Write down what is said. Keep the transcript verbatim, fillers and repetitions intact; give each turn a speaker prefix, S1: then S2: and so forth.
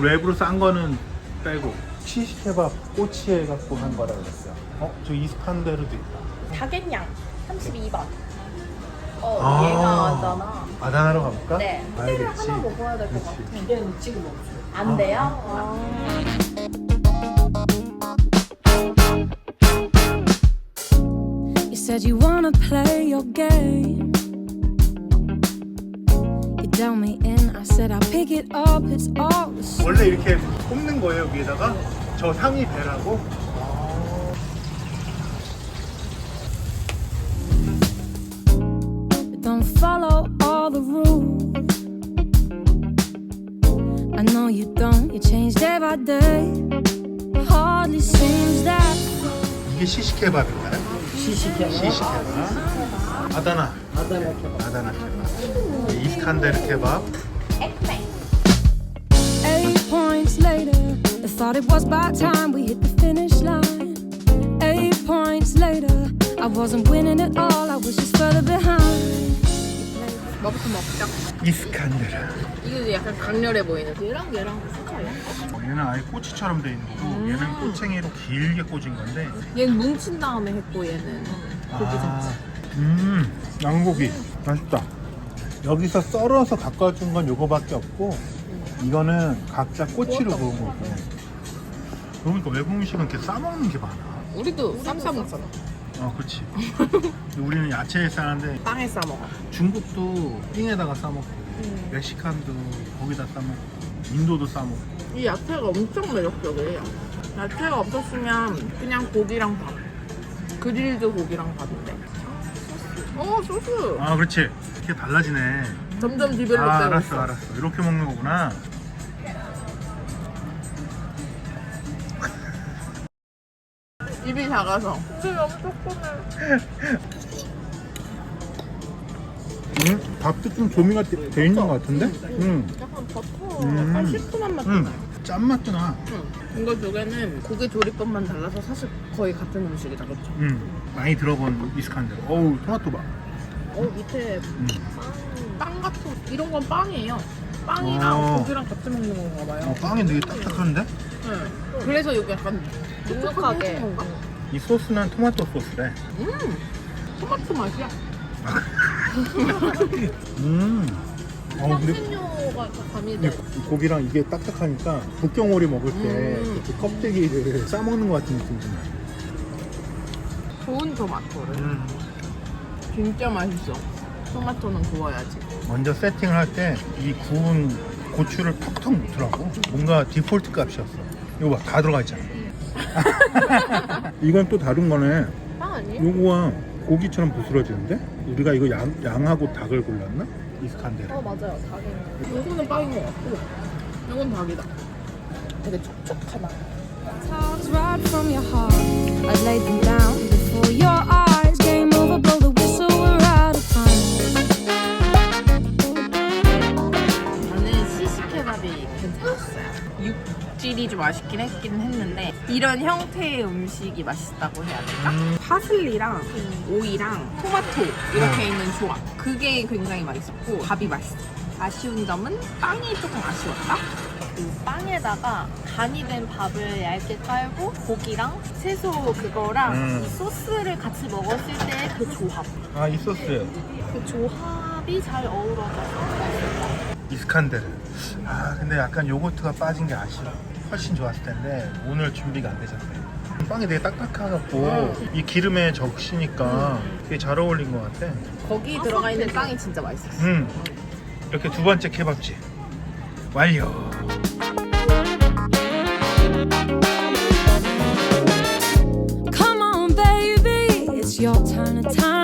S1: 외부로 싼 거는 빼고 시시케밥 꼬치에 갖고 한 거라 그랬어요. 어? 저 이스칸데르도 있다.
S2: 다겟냥 삼십이 번. 어,
S1: 아.
S2: 얘가 아잖아.
S1: 아다나로 가볼까?
S2: 네.
S1: 알겠지.
S2: 하나 먹어야 될 것
S1: 그치.
S2: 같아.
S3: 얘는 지금 없어.
S2: 안 돼요? 아.
S4: You said you wanna play your game. You tell me in, I said I'll pick it up, it's all the same.
S1: 원래 이렇게 꼽는 거예요 위에다가? 저 상이 배라고?
S4: But don't follow all the rules. I know you don't, you change day by day. Hardly seems that
S1: 이게 시시케밥인가요?
S3: 시시케밥.
S1: 시시케밥. 아다나.
S3: 아다나 케밥.
S1: 아다나 케밥. 이스칸데르 케밥.
S2: 액메.
S4: eight points later, I thought it was about time we hit the finish line. Eight points later, I wasn't winning at all, I was just further behind.
S3: 뭐부터 먹자.
S1: 이스칸데르.
S3: 이거 약간 강렬해 보이는. 얘랑 얘랑 무슨 차이야?
S1: 얘는 아예 꼬치처럼 돼 있는 거고 얘는 꼬챙이로 길게 꽂은 건데
S3: 얘는 뭉친 다음에 했고 얘는 고기 잡지.
S1: 음 양고기 맛있다. 여기서 썰어서 가까워준 건 요거밖에 없고 이거는 각자 꼬치로 구운 거고. 그러니까 외국 음식은 이렇게 싸먹는 게 많아.
S3: 우리도 쌈 싸 먹잖아.
S1: 어 그렇지. 우리는 야채에 싸는데
S3: 빵에 싸 먹어.
S1: 중국도 띵에다가 싸먹고 멕시칸도 거기다 싸먹고 인도도 싸먹고.
S3: 이 야채가 엄청 매력적이에요. 야채가 없었으면 그냥 고기랑 밥. 그릴드 고기랑 밥인데. 어 소스.
S1: 아 그렇지. 이게 달라지네.
S3: 점점 디벨롭
S1: 아
S3: 되고
S1: 알았어
S3: 있어.
S1: 알았어. 이렇게 먹는 거구나.
S3: 입이 작아서. 입이 엄청 조그매.
S1: 음, 밥도 좀 조미가 돼, 돼 있는 것 같은데? 음,
S3: 약간 버터,
S1: 음.
S3: 약간 시큼한 맛도
S1: 음,
S3: 나요.
S1: 짠맛도 나.
S3: 응. 이거 두 개는 고기 조리법만 달라서 사실 거의 같은 음식이다, 그렇죠?
S1: 음, 많이 들어본 이스칸데르. 어우, 토마토 봐.
S3: 어 밑에
S1: 음.
S3: 빵, 빵 같은 이런 건 빵이에요. 빵이랑
S1: 어.
S3: 고기랑 같이 먹는 건가 봐요.
S1: 어, 빵이 되게 딱딱한데?
S3: 응. 그래서 여기 약간
S2: 눅눅하게.
S3: 눅눅한 건가?
S1: 이 소스는 토마토 소스래.
S3: 음, 토마토 맛이야.
S1: 음. 어, 근데
S3: 향신료가 다
S1: 근데
S3: 가미돼.
S1: 고기랑 이게 딱딱하니까 북경오리 먹을 때
S3: 음.
S1: 그 껍데기를 싸먹는 것 같은 느낌이 좀 나요.
S3: 좋은 토마토를.
S1: 음.
S3: 진짜 맛있어. 토마토는 구워야지.
S1: 먼저 세팅을 할 때 이 구운 고추를 톡톡 넣더라고. 뭔가 디폴트 값이었어. 이거 봐, 다 들어가 있잖아. 이건 또 다른 거네.
S3: 빵 아니에요?
S1: 요거가 고기처럼 부스러지는데? 우리가 이거 양, 양하고 닭을 골랐나? 이스칸데르.
S2: 어 맞아요. 다겟냥.
S3: 이거는 빵인 것 같고, 이건 닭이다. 되게 촉촉하다.
S4: Talks right from your heart. I laid them down before your eyes. Game over, blow the whistle, we're out of time.
S3: 저는 시시케밥이 괜찮았어요. 육질이 좀 아쉽긴 했긴 했는데 이런 형태의 음식이 맛있다고 해야 될까?
S1: 음.
S3: 파슬리랑 오이랑 토마토 이렇게 있는 조합, 그게 굉장히 맛있었고 밥이 맛있어. 아쉬운 점은 빵이 조금 아쉬웠다?
S2: 그 빵에다가 간이 된 밥을 얇게 깔고 고기랑 채소 그거랑
S1: 음.
S2: 이 소스를 같이 먹었을 때 그 조합.
S1: 아, 이 소스.
S2: 그 조합이 잘 어우러져서 맛있었다.
S1: 이스칸데르. 아, 근데 약간 요거트가 빠진 게 아쉬워. 훨씬 좋았을 텐데 오늘 준비가 안 되셨네. 빵이 되게 딱딱해갖고 이 기름에 적시니까 되게 잘 어울린 것 같아.
S3: 거기 들어가 있는 빵이 진짜 맛있었어.
S1: 음, 이렇게 두 번째 케밥집 완료.
S4: Come on, baby, it's your turn to time.